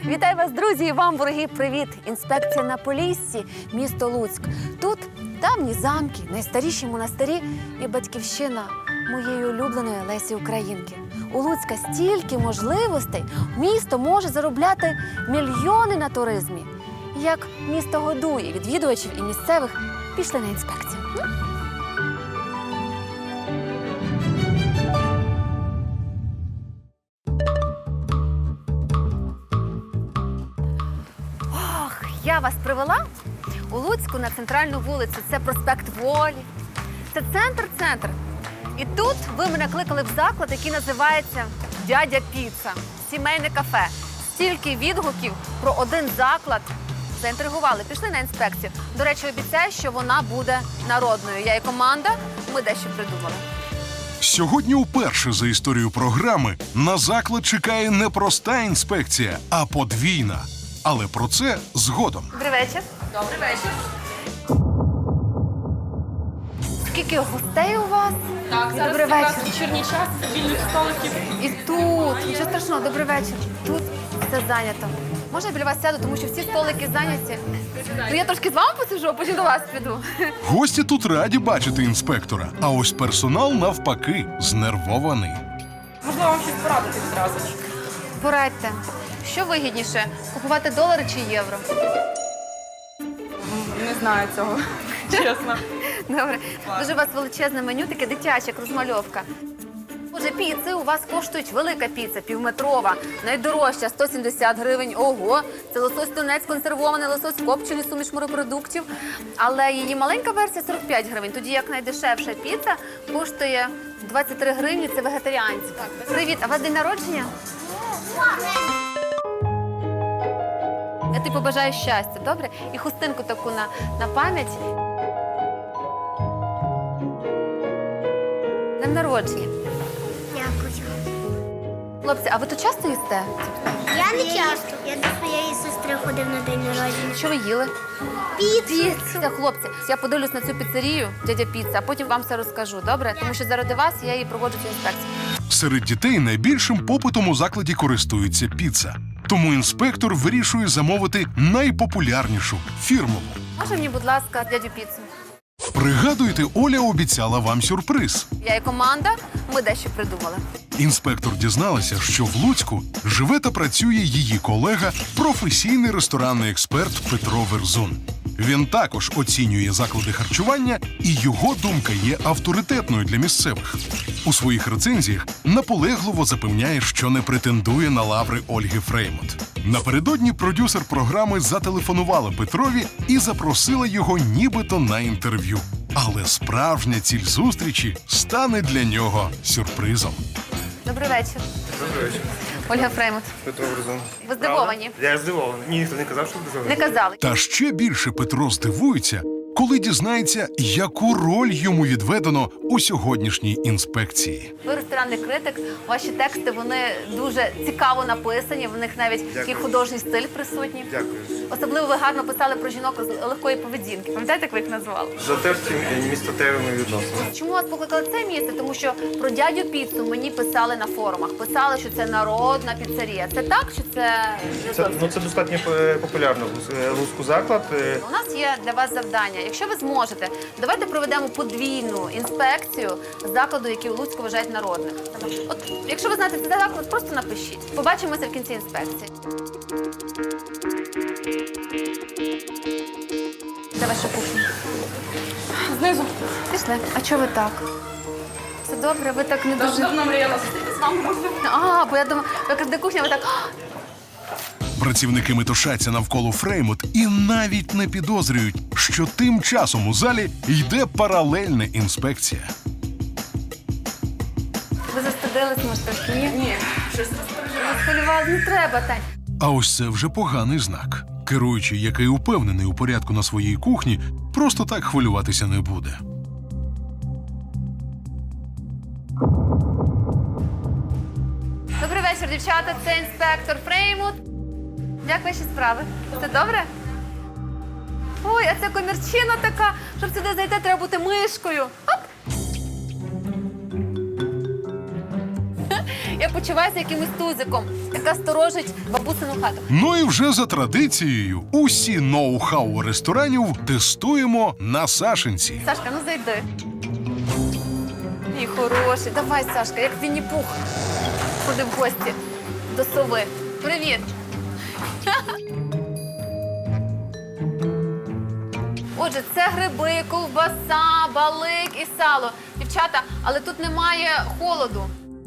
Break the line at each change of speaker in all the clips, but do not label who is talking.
Вітаю вас, друзі, і вам, вороги, привіт! Інспекція на Поліссі, місто Луцьк. Тут давні замки, найстаріші монастирі і батьківщина моєї улюбленої Лесі Українки. У Луцька стільки можливостей, місто може заробляти мільйони на туризмі. Як місто годує відвідувачів і місцевих, пішли на інспекцію. Я вас привела у Луцьку на центральну вулицю. Це проспект Волі. Це центр. І тут ви мене кликали в заклад, який називається «Дядя Піца». Сімейне кафе. Стільки відгуків про один заклад. Заінтригували, пішли на інспекцію. До речі, обіцяю, що вона буде народною. Я і команда, ми дещо придумали.
Сьогодні вперше за історію програми на заклад чекає не проста інспекція, а подвійна. Але про це згодом.
Добрий вечір. Добрий вечір. Скільки гостей у вас?
Так, зараз
Добрий
якраз
вечір.
вечірній час, вільних столиків.
І тут, нічого страшного, добрий вечір. Тут все зайнято. Можна я біля вас сяду, тому що всі столики зайняті. Ну я трошки з вами посиджу, а потім до вас піду.
Гості тут раді бачити інспектора, а ось персонал навпаки знервований.
Можливо, вам щось порадити відразу.
Порадьте, що вигідніше, купувати долари чи євро?
Не знаю цього, чесно.
Добре. Дуже у вас величезне меню, таке дитяче, як розмальовка. Отже, піци у вас коштують велика піца, півметрова, найдорожча, 170 гривень. Ого, це лосось тунець, консервований лосось, копчений, суміш морепродуктів. Але її маленька версія 45 гривень, тоді як найдешевша піца коштує 23 гривні, це вегетаріанська. Привіт, а у вас день народження? Я тобі побажаю щастя, добре? І хустинку таку на пам'ять. Днем народження.
Дякую.
Хлопці, а ви тут часто їсте?
Я не часто. Я до своєї сестри ходив на день народження.
Що ви їли? Піцу. Хлопці, я подивлюсь на цю піцерію, дядя Піца, а потім вам все розкажу, добре? Тому що заради вас я її проводжу цю інспекцію.
Серед дітей найбільшим попитом у закладі користується піца. Тому інспектор вирішує замовити найпопулярнішу фірмову.
Може мені, будь ласка, дядю Піцу?
Пригадуєте, Оля обіцяла вам сюрприз.
Я і команда, ми дещо придумали.
Інспектор дізналася, що в Луцьку живе та працює її колега, професійний ресторанний експерт Петро Верзун. Він також оцінює заклади харчування, і його думка є авторитетною для місцевих. У своїх рецензіях наполегливо запевняє, що не претендує на лаври Ольги Фреймут. Напередодні продюсер програми зателефонувала Петрові і запросила його нібито на інтерв'ю. Але справжня ціль зустрічі стане для нього сюрпризом.
Добрий вечір.
Добрий вечір.
Ольга Фреймут.
Петро Верзун.
Ви здивовані?
Я здивований. Ні, ніхто не казав, що здивований.
Не казали.
Та ще більше Петро здивується, коли дізнається, яку роль йому відведено у сьогоднішній інспекції.
Ви ресторанний критик, ваші тексти, вони дуже цікаво написані, в них навіть такий художній стиль присутній.
Дякую.
Особливо ви гарно писали про жінок з легкої поведінки. Пам'ятаєте, як ви їх назвали?
Затерті містотевими відносинами.
Чому вас покликали це місце? Тому що про дядю Піцу мені писали на форумах. Писали, що це народна піцерія. Це так, чи це не зовсім?
Це достатньо популярно луцький заклад.
У нас є для вас завдання. Якщо ви зможете, давайте проведемо подвійну інспекцію закладу, який у Луцьку вважають народним. От, якщо ви знаєте цей заклад, просто напишіть. Побачимося в кінці інспекції. Де ваша кухня?
Знизу.
Пішли. А чого ви так? Все добре, ви так не дуже...
Давно мріяла зустрітися з вами.
Бо я думаю, ви кажете, де кухня, ви так...
Працівники метушаться навколо Фреймут і навіть не підозрюють, що тим часом у залі йде паралельна інспекція.
Ви застудились, може, трошки? Ні?
Ні, щось
Схвилювали, не треба, Тань.
А ось це вже поганий знак. Керуючий, який упевнений у порядку на своїй кухні, просто так хвилюватися не буде.
Добрий вечір, дівчата. Це інспектор Фреймут. Як ваші справи? Все добре? Ой, а це комірчина така. Щоб сюди зайти, треба бути мишкою. Оп! Я почувайся якимось тузиком, яка сторожить бабусину хату.
Ну і вже за традицією усі ноу-хау ресторанів тестуємо на Сашинці.
Сашка, ну зайди. Мій хороший. Давай, Сашка, як Вінні-Пух. Ходи в гості до сови. Привіт. Отже, це гриби, ковбаса, балик і сало. Дівчата, але тут немає холоду.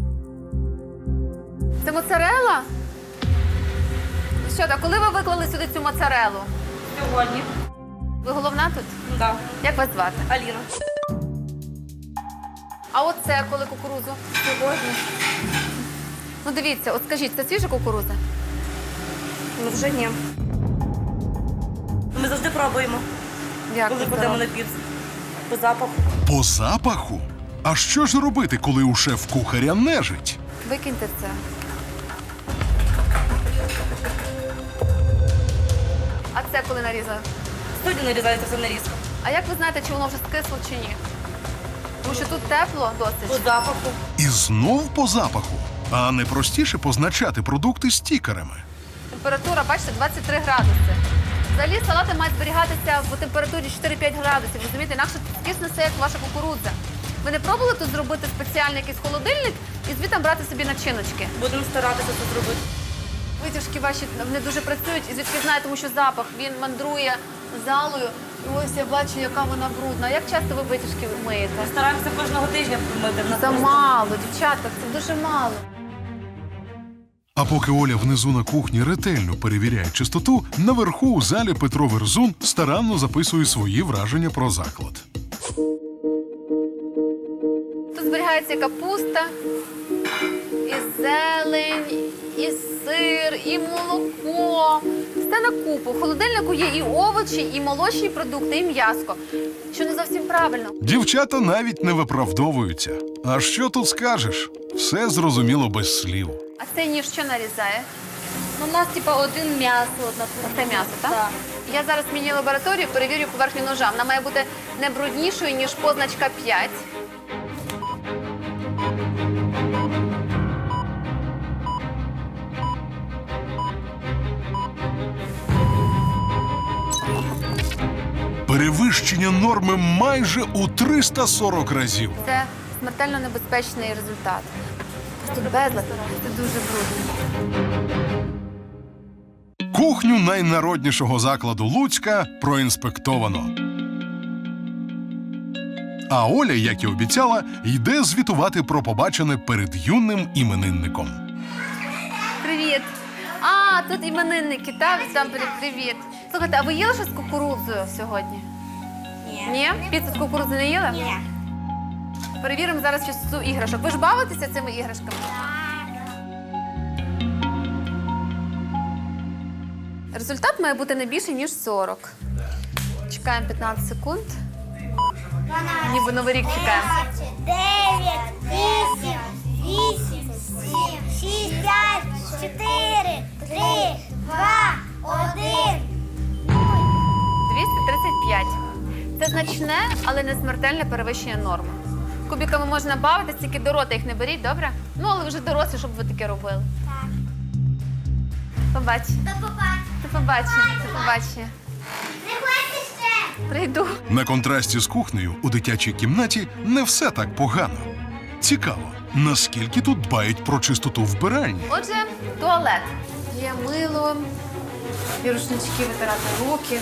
Це моцарелла? Що, так, коли ви виклали сюди цю моцарелу?
Сьогодні.
Ви головна тут?
Так.
Як вас звати?
Аліна.
А оце коли кукурудзу?
Сьогодні.
Ну дивіться, от скажіть, це свіжа кукурудза?
Ну вже ні. Ми завжди пробуємо,
Як
коли
ви
кладемо
здорова?
на піцу. По запаху.
По запаху? А що ж робити, коли у шеф-кухаря нежить?
Викиньте це. А це коли нарізали?
Студію нарізається все нарізка.
А як ви знаєте, чи воно вже скисло чи ні? Тому що тут тепло
По
досить.
запаху.
І знов по запаху. А не простіше позначати продукти стікерами.
Температура, бачите, 23 градуси. Взагалі салати мають зберігатися в температурі 4-5 градусів. Розумієте, інакше скисне все, як ваша кукурудза. Ви не пробували тут зробити спеціальний якийсь холодильник і звідти брати собі начиночки?
Будемо старатися це зробити.
Витяжки ваші не дуже працюють, і звідки знаю, тому що запах, він мандрує залою. І ось я бачу, яка вона брудна. Як часто ви витяжки миєте?
Стараємося кожного тижня помити. В нас просто-
Замало, дівчата, це дуже мало.
А поки Оля внизу на кухні ретельно перевіряє чистоту, наверху у залі Петро Верзун старанно записує свої враження про заклад.
Тут зберігається і капуста, і зелень, і сир, і молоко. Все на купу. В холодильнику є і овочі, і молочні продукти, і м'яско. Що не зовсім правильно.
Дівчата навіть не виправдовуються. А що тут скажеш? Все зрозуміло без слів.
А цей ніж що нарізає?
Ну, у нас типа один м'ясо.
Це м'ясо, так?
Так.
Я зараз зміню лабораторію, перевірю поверхню ножа. Вона має бути не бруднішою, ніж позначка 5.
Перевищення норми майже у 340 разів.
Це смертельно небезпечний результат. Тут безлад, це дуже брудно.
Кухню найнароднішого закладу Луцька проінспектовано. А Оля, як і обіцяла, йде звітувати про побачене перед юним іменинником.
Привіт! А, тут іменинники, так? Там привіт. Слухайте, а ви їли щось з кукурудзою сьогодні? Ні? Піцу з кукурудзою не їли?
Ні.
Перевіримо зараз чистоту іграшок. Ви ж бавитеся цими іграшками? Результат має бути не більше, ніж 40. Чекаємо 15 секунд.
12,
Ніби Новий рік чекаємо.
9, 8, 8, 7, 6, 5, 4, 3, 2, 1.
235. Це значне, але не смертельне перевищення норми. Кубиками можна бавитись, тільки до рота їх не беріть, добре? Ну, але ви вже дорослі, щоб ви таке робили.
Так.
Побачення.
До побачення.
До побачення. До побачення.
Приходьте ще.
Прийду.
На контрасті з кухнею у дитячій кімнаті не все так погано. Цікаво, наскільки тут дбають про чистоту вбиральні.
Отже, туалет. Є мило, є рушнички витирати руки.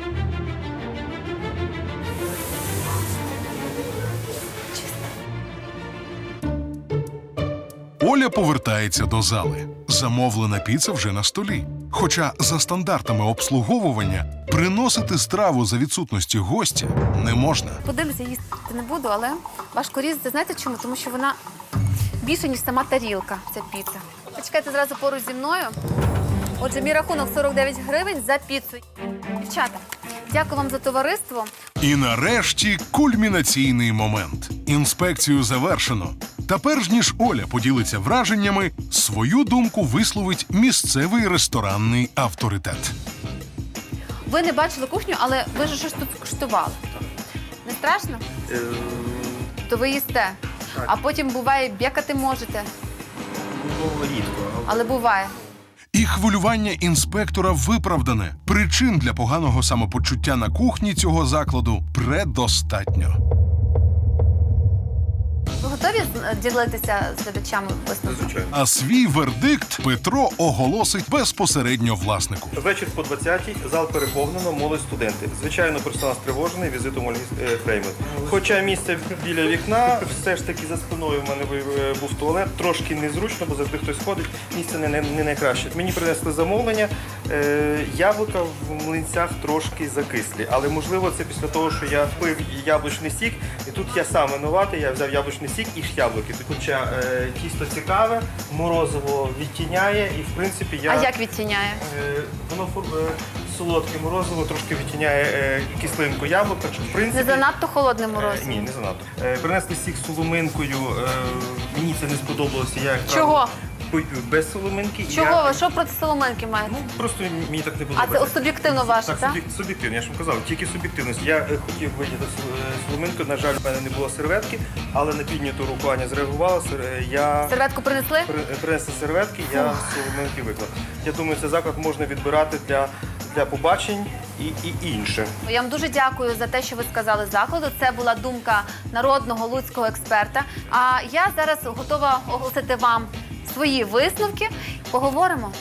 Оля повертається до зали. Замовлена піца вже на столі. Хоча за стандартами обслуговування приносити страву за відсутності гостя не можна.
Подивлюся, їсти не буду, але важко різати. Знаєте чому? Тому що вона більше, ніж сама тарілка, ця піца. Почекайте зразу поруч зі мною. Отже, мій рахунок 49 гривень за піцу. Дівчата, дякую вам за товариство.
І нарешті кульмінаційний момент. Інспекцію завершено. Та перш ніж Оля поділиться враженнями, свою думку висловить місцевий ресторанний авторитет.
Ви не бачили кухню, але ви ж щось тут куштували. Не страшно? То ви їсте. А потім, буває, б'якати можете.
рідко.
Але буває.
І хвилювання інспектора виправдане. Причин для поганого самопочуття на кухні цього закладу предостатньо.
Ви готові ділитися з глядачами висновком?
Звичайно.
А свій вердикт Петро оголосить безпосередньо власнику.
Вечір по 20-й, зал переповнено, молодь студенти. Звичайно, персонал стривожений візитом Ольги Фреймут. Хоча місце біля вікна, все ж таки за спиною в мене був туалет. Трошки незручно, бо завжди хтось ходить. Місце не найкраще. Мені принесли замовлення. Яблука в млинцях трошки закислі. Але можливо це після того, що я пив яблучний сік. І тут я сам винуватий, я взяв яблучний сік і яблуки. Хоча тісто цікаве, морозиво відтіняє і в принципі я...
А як відтіняє?
Воно солодке морозиво, трошки відтіняє кислинку яблук, так що в принципі...
Не занадто холодне морозиво?
Ні, не занадто. Принесли сік з соломинкою, мені це не сподобалося. Я, як
Чого?
правило, пию без соломинки.
Чого ви? Що проти соломинки маєте?
Просто мені так не
А
подобається.
це суб'єктивно ваше, так?
Так, суб'єктивно, я ж вам казав, тільки суб'єктивність. Я хотів вийняти соломинку, на жаль, в мене не було серветки, але на підняту руку Аня зреагувала.
Серветку принесли?
Принесли серветки, я соломинки виклав. Я думаю, цей заклад можна відбирати для побачень і інше.
Я вам дуже дякую за те, що ви сказали закладу. Це була думка народного луцького експерта. А я зараз готова оголосити вам свої висновки. Поговоримо.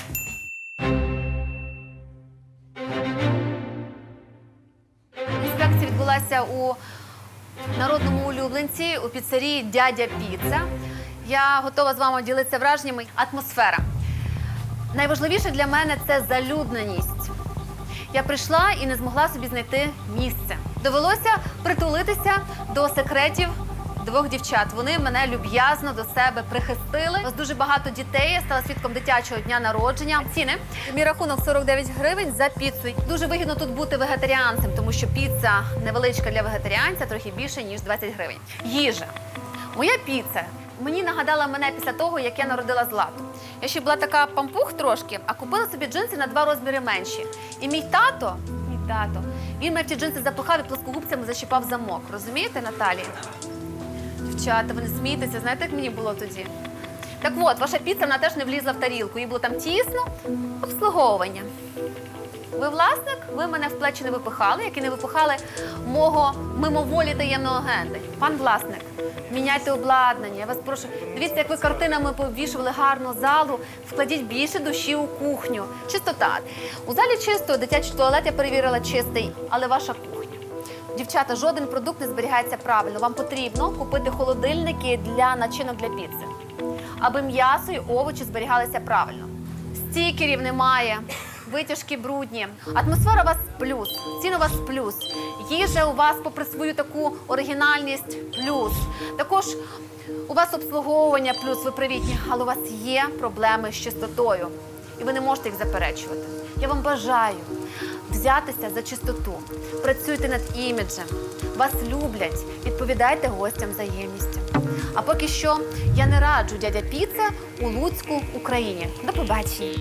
Інспекція відбулася у народному улюбленці у піцерії «Дядя Піца». Я готова з вами ділитися враженнями. Атмосфера. Найважливіше для мене – це залюдненість. Я прийшла і не змогла собі знайти місце. Довелося притулитися до секретів двох дівчат. Вони мене люб'язно до себе прихистили. У нас дуже багато дітей. Я стала свідком дитячого дня народження. Ціни. Мій рахунок 49 гривень за піцу. Дуже вигідно тут бути вегетаріанцем, тому що піца невеличка для вегетаріанця, трохи більше, ніж 20 гривень. Їжа. Моя піца мені нагадала мене після того, як я народила Злату. Я ще була така пампух трошки, а купила собі джинси на 2 розміри менші. І мій тато, він мене в ті джинси запихав і плоскогубцями защіпав замок. Розумієте, Наталія? Дівчата, ви не смієтеся, знаєте, як мені було тоді? Так от, ваша піца, вона теж не влізла в тарілку. Їй було там тісно, обслуговування. Ви власник, ви мене в плечі не випихали, як і не випихали мого мимоволі таємного агента. Пан власник, міняйте обладнання, я вас прошу. Дивіться, як ви картинами повішували гарну залу, вкладіть більше душі у кухню. Чистота. У залі чисто, дитячий туалет я перевірила чистий, але ваша кухня. Дівчата, жоден продукт не зберігається правильно. Вам потрібно купити холодильники для начинок для піци, аби м'ясо і овочі зберігалися правильно. Стікерів немає. Витяжки брудні. Атмосфера у вас плюс, ціни у вас плюс. Їжа у вас, попри свою таку оригінальність, плюс. Також у вас обслуговування плюс, ви привітні, але у вас є проблеми з чистотою. І ви не можете їх заперечувати. Я вам бажаю взятися за чистоту. Працюйте над іміджем. Вас люблять. Відповідайте гостям взаємністю. А поки що я не раджу «Дядя Піца» у Луцьку, Україні. До побачення.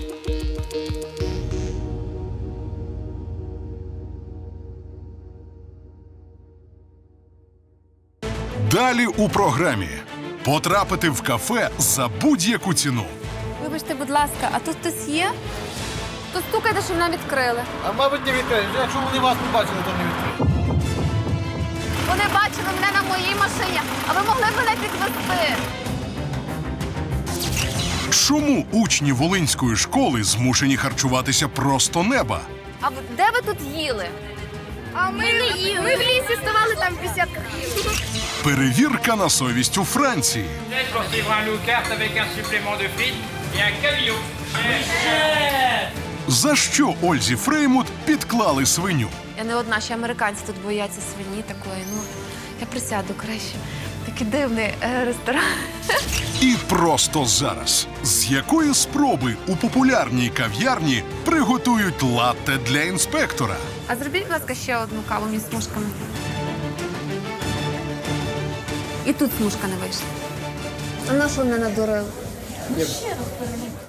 Далі у програмі. Потрапити в кафе за будь-яку ціну.
Вибачте, будь ласка, а тут хтось є? То стукайте, щоб нам відкрили.
А мабуть, не відкриють. Якщо вони вас не бачили, то не відкриють.
Вони бачили мене на моїй машині, а ви могли б мене підвезти.
Чому учні Волинської школи змушені харчуватися просто неба?
А де ви тут їли?
А ми не їли. Ми в лісі ставали, там в бесідках їли.
Перевірка на совість у Франції.
Pour suivre un loup carte avec un supplément de frites et un cabillaud.
За що Ользі Фреймут підклали свиню?
Я не одна, ще американці тут бояться свині такої. Ну, я присяду краще. Такий дивний ресторан.
І просто зараз. З якої спроби у популярній кав'ярні приготують латте для інспектора?
А зробіть, будь ласка, ще одну каву між смужками. І тут смужка не вийшла. А на що мене надурили?